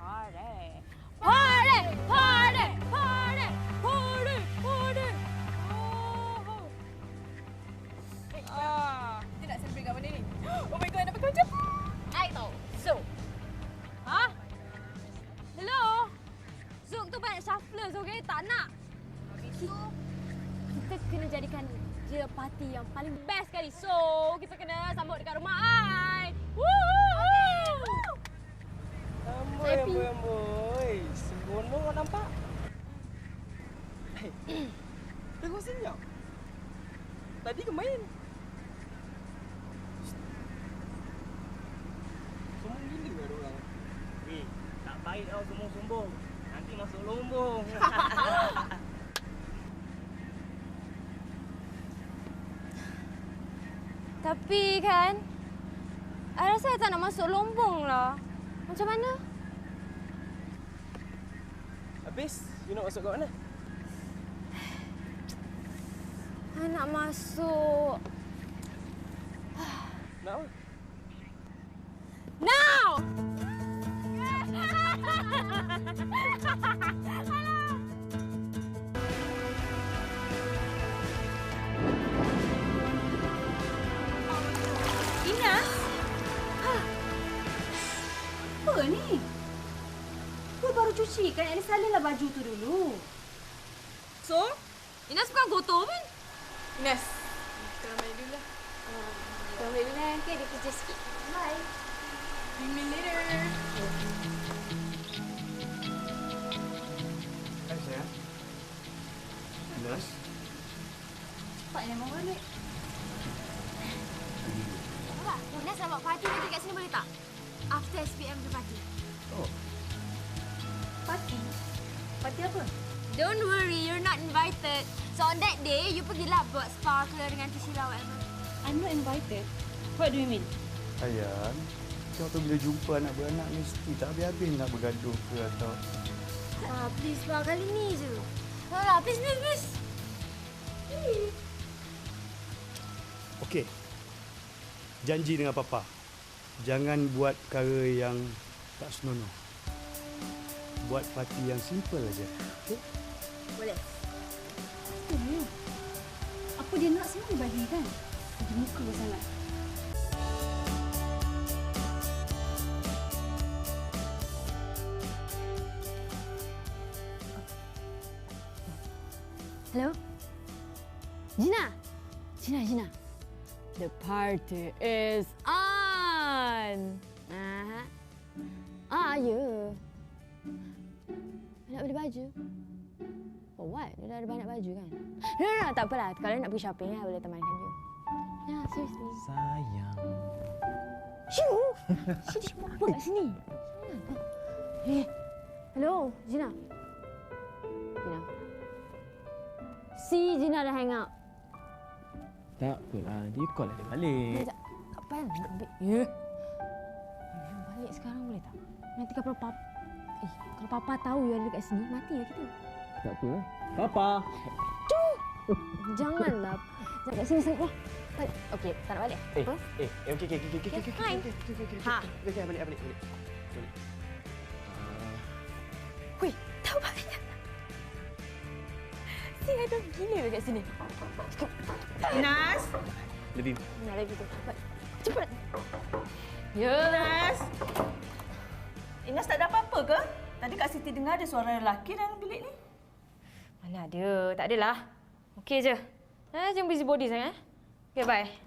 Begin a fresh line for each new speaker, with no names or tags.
party. Party! Party! Party! Party! Party!
Kita nak celebrate kat mana ni? Oh my god, nak pakai macam
I tahu. Zouk. Ha? Hello? Zouk tu banyak shufflers, okey? Tak nak. Kita kena jadikan dia party yang paling best sekali. So, kita kena sambut dekat rumah I. Woo!
Amboi. Sembrono kau nampak? Hei, tengok senyap. Tadi ke main? Sombong gila kan orang?
Tak baik tau sombong-sombong. Nanti masuk lombong.
Tapi kan, I rasa I tak nak masuk lombong lah. Macam mana?
Habis, you nak masuk kat mana?
I nak masuk...
Nak apa?
Now!
Inas? Apa ni? Kau baru cuci kan? Yang salihlah baju tu dulu.
So, Inas bukan kotor pun.
Inas, kita main dulu lah.
Kau boleh lah, nanti ada kerja sikit.
Bye. See me later.
Hai sayang. Inas?
Cepatnya mau balik.
Apa? Inas nak buat party nanti kat sini boleh tak? After SPM tu party.
Oh.
Party? Party apa?
Don't worry, you're not invited. So on that day, you pergilah buat sparkler dengan Tishila whatever.
I'm not invited. What do you mean?
Sayang, kau tu bila jumpa anak beranak mesti tak habis-habis nak bergaduh ke atau...
Please lah, kali ni je. Alah, please.
Okey. Janji dengan Papa. Jangan buat perkara yang tak senonoh. Buat parti yang simple aja. Okey?
Boleh.
Apa dia nak semua dibagikan? Ada muka sangat.
Hello? Gina. The party is on. Ya. Nak beli baju? For what? Dia dah ada banyak baju kan? No, tak apalah. Kalau nak pergi shopping, I boleh temankan you. Ya, seriously.
Sayang.
Shoo! Dia buat apa kat sini? Hello, Gina. Si Gina dah hang out.
Tak apalah, dia call dia balik.
Tak payah nak ambil. Ya. Balik sekarang boleh tak? Nanti kalau Papa tahu you ada dekat sini, mati lah kita.
Tak apa. Papa.
Janganlah. Jangan kat sini sangat lah. Okey, tak nak balik. Apa?
Okey.
Fine. Ha.
Okey, balik.
Hui, tak payah. Si ada gila dekat sini.
Inas?
Lebih.
Nak lagi tu. Cepat. Ya.
Inas? Inas tak ada apa-apa ke? Tadi Kak Siti dengar ada suara lelaki dalam bilik ni.
Mana ada. Tak adalah. Okey je. Jangan busy body sangat. Okey, bye.